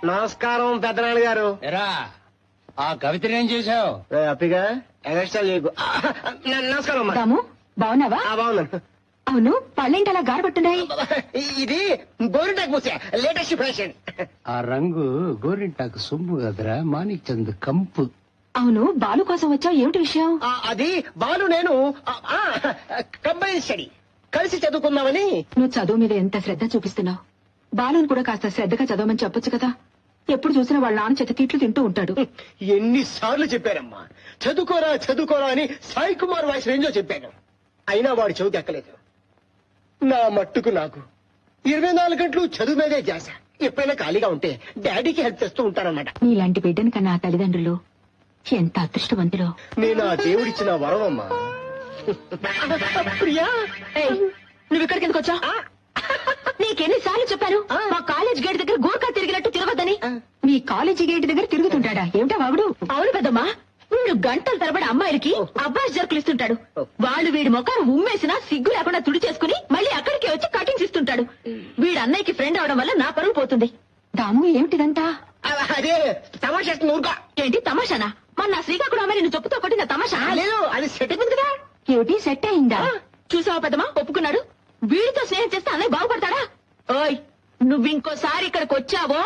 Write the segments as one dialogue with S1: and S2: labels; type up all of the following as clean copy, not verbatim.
S1: నమస్కారం పెద్దనాన్న గారు.
S2: ఎరా ఆ కవితని ఏం చేశావు?
S1: హ్యాపీగా ఎగస్ట్రా చేయకు. నమస్కారం అమ్మా.
S3: రాము బాగున్నావా?
S1: బాగున్నాను.
S3: అవును పళ్ళేంటి అలా గారబట్టున్నాయి?
S1: ఇది గోరింటాకు పూసే లేటెస్ట్ ఫ్యాషన్.
S2: ఆ రంగు గోరింటాకు సొమ్ము కదరా, మాణిక్ చంద్ కంపు.
S3: అవును బాలు కోసం వచ్చావు, ఏమిటి విషయం?
S1: అది బాలు నేను కంబైన్ స్టడీ కలిసి చదువుకుందామని.
S3: నువ్వు చదువు మీద ఎంత శ్రద్ధ చూపిస్తున్నావు. బాలుని కూడా కాస్త శ్రద్ధగా చదవమని చెప్పొచ్చు కదా. ఎప్పుడు చూసినా వాళ్ళ నాన్న చేత తిట్లు తింటూ ఉంటాడు.
S1: ఎన్నిసార్లు చెప్పారమ్మా చదువుకోరా చదువుకోరా అని. సాయి కుమార్ వాయిస్ రేంజో చెప్పాను, అయినా వాడు చదువు ఎక్కలేదు. నా మట్టుకు నాకు 24 గంటలు చదువు మీదే చేశ. ఎప్పుడైనా ఖాళీగా ఉంటే డాడీకి హెల్ప్ చేస్తూ ఉంటానన్నమాట.
S3: నీలాంటి బిడ్డని కన్నా ఆ తల్లిదండ్రులు ఎంత అదృష్టవంతులో.
S1: నేను ఆ దేవుడిచ్చిన వరం అమ్మా. ప్రియా
S3: నువ్వు ఇక్కడికి ఎందుకు వచ్చా? నీకెన్నిసార్లు చెప్పాను మా కాలేజ్ గేట్ దగ్గర గోర్ఖా తిరిగినట్టు తిరగద్దని. మీ కాలేజీ గేట్ దగ్గర తిరుగుతుంటాడా ఏమిటా వాగుడు? అవును పెద్దమ్మా, వీడు గంటల తరబడి అమ్మాయిలకి అబ్బాయి జర్కులు ఇస్తుంటాడు. వాళ్ళు వీడి మొఖాన్ని ఉమ్మేసినా సిగ్గు లేకుండా తుడి చేసుకుని మళ్ళీ అక్కడికే వచ్చి కటింగ్స్ ఇస్తుంటాడు. వీడు అన్నయ్యకి ఫ్రెండ్ అవడం వల్ల నా పరువు పోతుంది. దాము ఏమిటిదంతా?
S1: అదే తమాషా. ఊరుగా.
S3: ఏంటి తమాషానా? మన నా శ్రీకాకుళం అమ్మాయి నిన్ను చెప్పుతో కొట్టిన తమాషా?
S1: లేదు, అది సెట్ అయిపోయింది కదా.
S3: ఏమిటి సెట్ అయిందా? చూసావా పెద్దమ్మా, ఒప్పుకున్నాడు. వీడితో స్నేహం చేస్తే అన్నయ్య బాగుపడతాడా? ఓయ్ నువ్వు ఇంకోసారి ఇక్కడికి వచ్చావో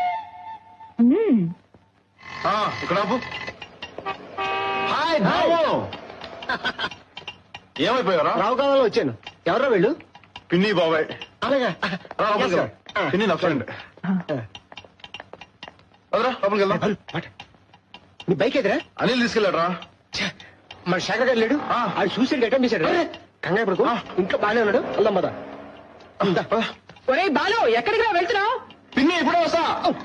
S4: ఇక్కడ హాయ్ బాబు. ఏమైపోయారా?
S1: రావు కాలంలో వచ్చాను. ఎవరో వీళ్ళు?
S4: పిన్ని బాబాయ్.
S1: అలాగా.
S4: లోపలికి వెళ్దాం. పిన్ని నా ఫ్రెండ్. అదరా లోపలికి వెళ్దాం.
S1: నీ బైక్ ఎదురా?
S4: అనిల్ తీసుకెళ్ళాడరా.
S1: మన శేఖర్ గారు లేడు. అది సూసైడ్ అటెంప్ట్ చేశాడు. కంగారు పడుకో, ఇంట్లో బాగానే ఉన్నాడు. వెళ్దాం పద.
S3: ఒరే బాలు, ఎక్కడికి వెళ్తున్నావు?
S4: పిన్ని ఇప్పుడే వస్తా.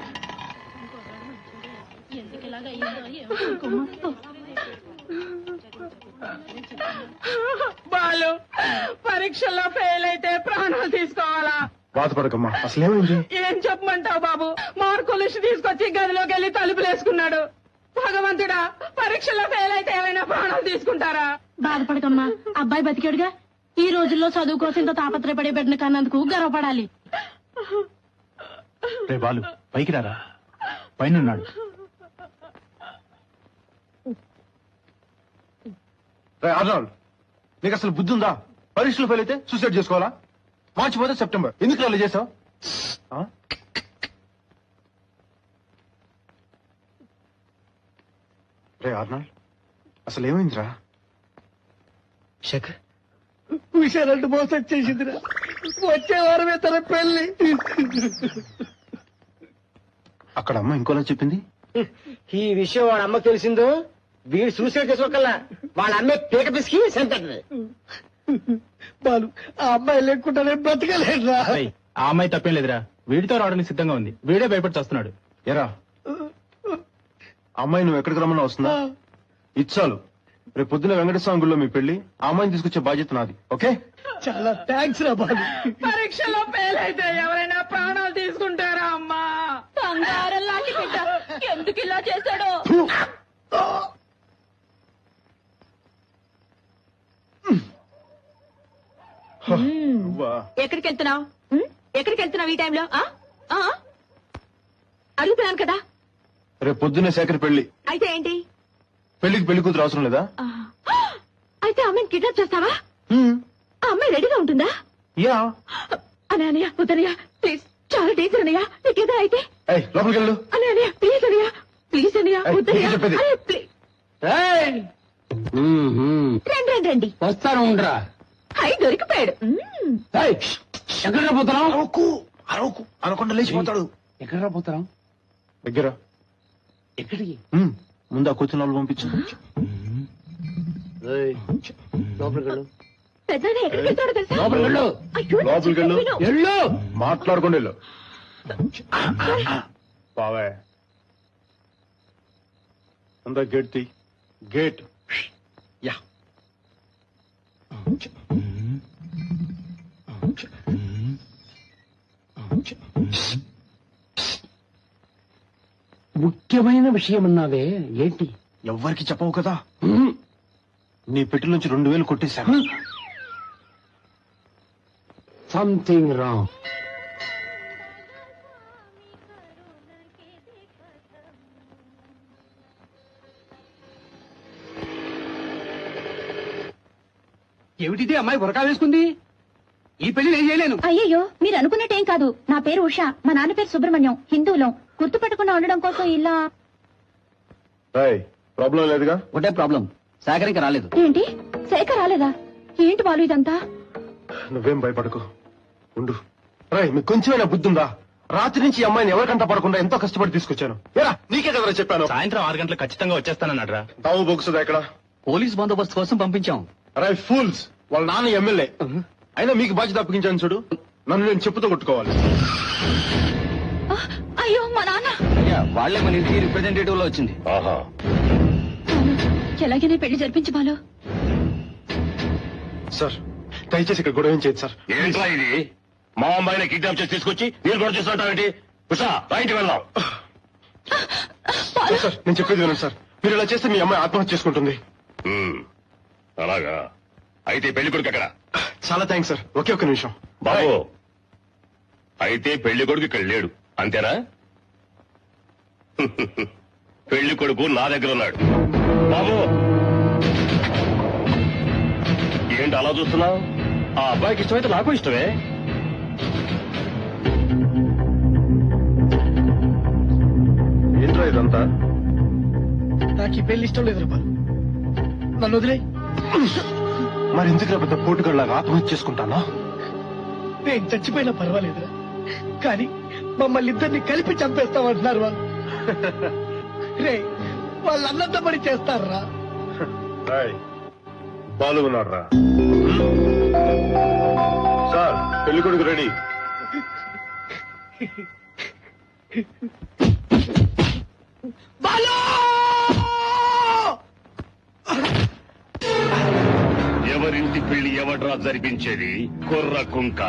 S5: బాలు పరీక్షల్లో ఫెయిల్ అయితే ప్రాణాలు తీసుకోవాలా?
S4: బాధపడకమ్మా, అసలేమైంది?
S5: ఏం చెప్పమంటావు బాబు, మార్కులు తీసుకొచ్చి గదిలోకి వెళ్ళి తలుపులేసుకున్నాడు. భగవంతుడా, పరీక్షల్లో ఫెయిల్ అయితే ఏమైనా ప్రాణాలు తీసుకుంటారా?
S6: బాధపడకమ్మా, అబ్బాయి బతికాడుగా. ఈ రోజుల్లో చదువు కోసం ఇంత తాపత్రయపడే బిడ్డను కన్నందుకు గర్వపడాలి.
S4: రే బాలు, పైకి రారా, పైన అర్నాల్డ్, నీకు అసలు బుద్ధి ఉందా? పరీక్షలు ఫెయిల్ అయితే సూసైడ్ చేసుకోవాలా? మార్చి పోతే సెప్టెంబర్. ఎందుకు అలా చేసావు? రే అర్నాల్డ్, అసలు ఏమైందిరా?
S1: శేఖర్
S5: విషయాలంటూ మోసం చేసిందిరా. వచ్చే వారమే తన పెళ్లి.
S4: అక్కడ అమ్మ ఇంకోలా చెప్పింది.
S1: ఈ విషయం వాడు అమ్మకు తెలిసిందో వీడు సూసైడ్ చేసుకోకల్లా వాళ్ళ అమ్మే పీక పిసికి చంపేస్తుంది.
S5: బాలు, ఆ అమ్మాయి లేకుండానే బ్రతకలేదురా.
S7: ఆ అమ్మాయి తప్పేం లేదురా, వీడితో రావడానికి సిద్ధంగా ఉంది. వీడే భయపడి వస్తున్నాడు.
S4: ఎరా అమ్మాయి నువ్వు ఎక్కడికి రమ్మన్నా వస్తుందా? ఇచ్చాలు. రేపు పొద్దున వెంకటస్వామి గుడిలో మీ పెళ్లి. ఆ అమ్మాయిని తీసుకొచ్చే బాధ్యత నాది. ఓకే?
S5: చాలా థ్యాంక్స్ రా బాలు. పరీక్షలో ఫెయిల్ అయితే ఎవరైనా ప్రాణాలు తీసుకుంటారా అమ్మా?
S6: బంగారం లాంటి బిడ్డ ఎందుకు ఇలా చేశాడో.
S3: ఎక్కడికి వెళ్తున్నావు? ఎక్కడికి వెళ్తున్నావు ఈ టైంలో? అడుగుతున్నాను కదా.
S4: రేపు పొద్దున్నే శేఖర్ పెళ్లి.
S3: అయితే ఏంటి?
S4: పెళ్లికి పెళ్లి కూతురు అవసరం లేదా?
S3: అయితే అమ్మాయిని కిడ్నాప్ చేస్తావా? ఆ అమ్మాయి రెడీగా ఉంటుందా?
S4: యా.
S3: అనయ్య వద్దనయ్య, ప్లీజ్, చాలా డేంజర్ అన్నయ్య. నీకేదో అయితే
S4: లోపలికి వెళ్ళు.
S3: అనయ్య ప్లీజ్ అనయ్య, ప్లీజ్ అనయ్య, వద్దనయ్య.
S4: చెప్పేది.
S3: రండి రండి,
S2: వస్తాను ఉండరా.
S3: హై దొరికిపోయాడు.
S2: ఎక్కడ పోతున్నాం?
S4: అరవకు అనకుండా లేచిపోతాడు.
S2: ఎక్కడ పోతున్నాం?
S4: దగ్గర.
S2: ఎక్కడికి?
S4: ముందు ఆ కూర్చున్న వాళ్ళు పంపించు.
S3: పెద్దనే ఎక్కడికి వెళ్తాడో తెలుసా?
S2: లోపలికి వెళ్ళు.
S3: అయ్యో,
S4: లోపలికి వెళ్ళు.
S3: విను.
S2: ఎళ్ళు.
S4: మాట్లాడుకోండి వెళ్ళు. బావే అందా గేట్ తీ. గేట్. యా.
S2: ముఖ్యమైన విషయం అన్నావే, ఏంటి?
S4: ఎవ్వరికి చెప్పవు కదా. నీ పెట్టి నుంచి 2000 కొట్టేశాను.
S2: Something wrong. ఏమిటిది అమ్మాయి బురకా వేసుకుంది? ఈ పెళ్లి నేను చేయలేను.
S3: అయ్యయ్యో మీరు అనుకున్నట్టేం కాదు. నా పేరు ఉషా, మా నాన్న పేరు సుబ్రహ్మణ్యం, హిందువులం. గుర్తుపట్టకుండా ఉండడం కోసం ఇలా.
S4: ప్రాబ్లం లేదుగా?
S2: ఒకటే ప్రాబ్లం, సాగర్ ఇంకా రాలేదు.
S3: ఏంటి శేఖర్ రాలేదా? ఏంటి బాలు ఇదంతా?
S4: నువ్వేం భయపడకు, ఉండు. రాయ్, మీకు కొంచెమైనా బుద్ధి ఉందా? రాత్రి నుంచి ఈ అమ్మాయిని ఎవరికంట పడకుండా ఎంతో కష్టపడి తీసుకొచ్చాను. ఏరా, నీకే కదరా చెప్పాను.
S7: సాయంత్రం 6 గంటలకు ఖచ్చితంగా వచ్చేస్తానన్నాడు రా.
S4: తావు బొగుసుదా ఇక్కడ?
S2: పోలీస్ బందోబస్తు కోసం పంపించాం.
S4: రాయ్ ఫూల్స్, వాళ్ళ నాన్న ఎమ్మెల్యే. అయినా మీకు బాధ్యత అప్పగించాను చూడు. నన్ను నేను చెప్పుతో కొట్టుకోవాలి.
S3: అయ్యో మా నాన్న.
S2: వాళ్లే మన ఇంటికి రిప్రజెంటేటివ్ లో వచ్చింది.
S4: ఆహా,
S3: ఎలాగైనా పెళ్లి జరిపించి బాలు.
S4: సార్ దయచేసి ఇక్కడ గొడవ ఏం చేయదు సార్.
S8: ఏంట్రా ఇది? మా అమ్మాయిని కిడ్నాప్ చేసి తీసుకొచ్చి మీరు కూడా చేస్తుంటావేంటి? ఉషా, బయటికి వెళ్దాం.
S4: సార్ నేను చెప్పేది వినండి సార్. మీరు ఇలా చేస్తే మీ అమ్మాయి ఆత్మహత్య చేసుకుంటుంది.
S8: అలాగా? అయితే పెళ్లి కొడుకు ఎక్కడ?
S4: చాలా థ్యాంక్స్ సార్. ఒకే ఒక్క నిమిషం
S8: బాబు. అయితే పెళ్లి కొడుకు ఇక్కడ లేడు అంతేనా? పెళ్లి కొడుకు నా దగ్గర ఉన్నాడు. బాబు ఏంటి అలా చూస్తున్నావు? ఆ అబ్బాయికి ఇష్టమైతే నాకు ఇష్టమే.
S4: ఏంట్రా ఇదంతా?
S1: నాకు ఈ పెళ్లి ఇష్టం లేదు రూపాయలు. నన్ను వదిలే.
S4: మరి ఎందుకు పెద్ద పోటుగాళ్ళగా ఆత్మహత్య చేసుకుంటానా?
S1: నేను చచ్చిపోయినా పర్వాలేదురా, కానీ మమ్మల్ని ఇద్దరిని కలిపి చంపేస్తామంటున్నారు వాళ్ళు. రే, వాళ్ళు అన్నంత పని చేస్తారా?
S4: బాలు ఉన్నాడు రా. సార్ పెళ్లి కొడుకు రెడీ.
S8: ఎవరింటి పెళ్లి ఎవడ్రా జరిపించేది? కుర్ర కుంక.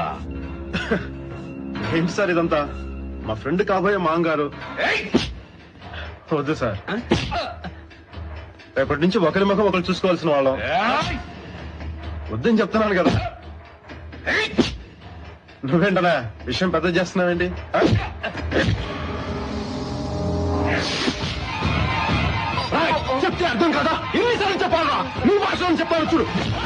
S4: ఏంటి సార్ ఇదంతా? మా ఫ్రెండ్ కాబోయే మాంగారు. వద్దు సార్, రేపటి నుంచి ఒకరి ముఖం ఒకరు చూసుకోవాల్సిన వాళ్ళం. వద్దని చెప్తున్నాను కదా. నువ్వేంటనా విషయం పెద్ద చేస్తున్నావేంటి? చెప్తే అర్థం కదా? ఎన్నిసార్లు చెప్పాలా? నీ భాషలో చెప్పాలి చూడు.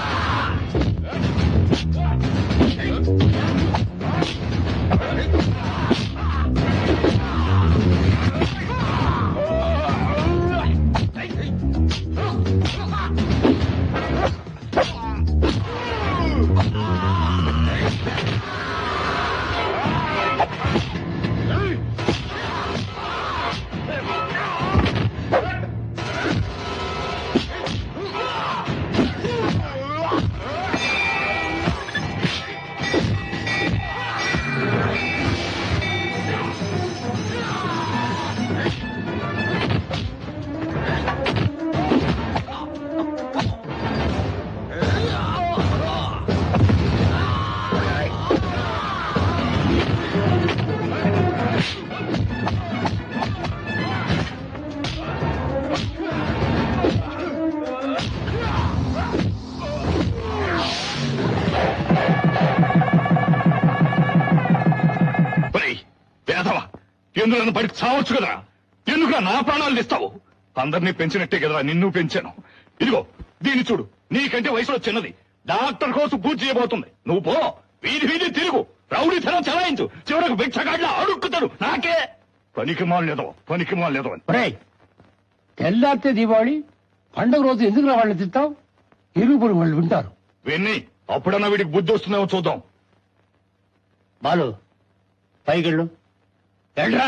S8: ఎందుకు నన్ను బయటకు చావచ్చు కదా? ఎందుకు నా ప్రాణాలు ఇస్తావు? అందరినీ పెంచినట్టే కదరా నిన్ను పెంచాను. ఇదిగో దీన్ని చూడు, నీకంటే వయసులో చిన్నది, డాక్టర్ కోసం పూజ చేయబోతుంది. నువ్వు పో, వీధి వీధి తిరుగు, రౌడీతనం చలాయించు, చివరకు భిక్షగాడ్లా అడుక్కుతాడు. నాకే పనికి మాలేదో అని.
S2: తెల్లారితే దీపావళి పండుగ రోజు ఎందుకు వాళ్ళని తింటావు? ఇరుగుపురు వాళ్ళు వింటారు.
S8: విన్ని అప్పుడన్నా వీడికి బుద్ధి వస్తుందేమో చూద్దాం.
S2: బాలు పైకెళ్ళు. వెళ్ళరా.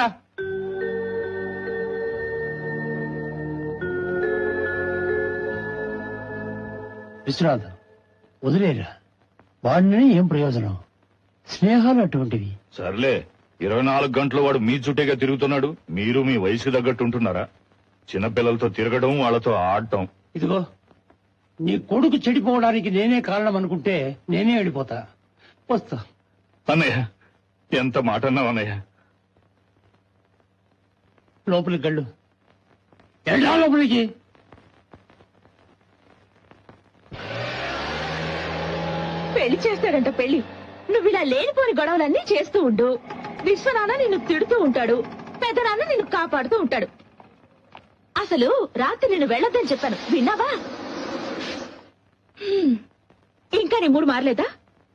S2: విశ్వనాథ్ వదిలేరా, వాడిని ఏం ప్రయోజనం? స్నేహాలు అటువంటివి.
S8: సర్లే, 24 గంటలు వాడు మీ చుట్టేగా తిరుగుతున్నాడు. మీరు మీ వయసుకు తగ్గట్టు ఉంటున్నారా? చిన్నపిల్లలతో తిరగడం, వాళ్ళతో ఆడటం.
S2: ఇదిగో నీ కొడుకు చెడిపోవడానికి నేనే కారణం అనుకుంటే నేనే వెళ్ళిపోతా. వస్తా.
S8: అన్నయ్య, ఎంత మాట అన్నావు అన్నయ్య.
S2: లోపలికి గళ్ళు. వెళ్ళా లోపలికి.
S3: పెళ్లి చేస్తాడంట పెళ్లి. నువ్వు ఇలా లేనిపోని గొడవలన్నీ చేస్తూ ఉండు. విశ్వనాన్న నిన్ను తిడుతూ ఉంటాడు, పెద్దనాన్న నిన్ను కాపాడుతూ ఉంటాడు. అసలు రాత్రి నిన్ను వెళ్ళొద్దని చెప్పాను, విన్నావా? ఇంకా ఇంకా నీ మూడు మారలేదా?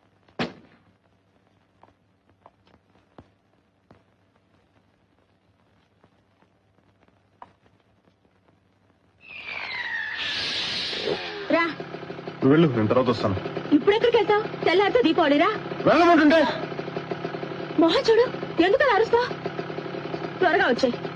S3: రా.
S4: నువ్వు వెళ్ళు, నేను తర్వాత వస్తాను.
S3: ఇప్పుడెక్కడికి వెళ్తావు? తెల్లారితో దీపావళిరా.
S4: వెళ్ళమంటుంటే
S3: మొహం చూడు, ఎందుకలా అరుస్తావు? త్వరగా వచ్చాయి.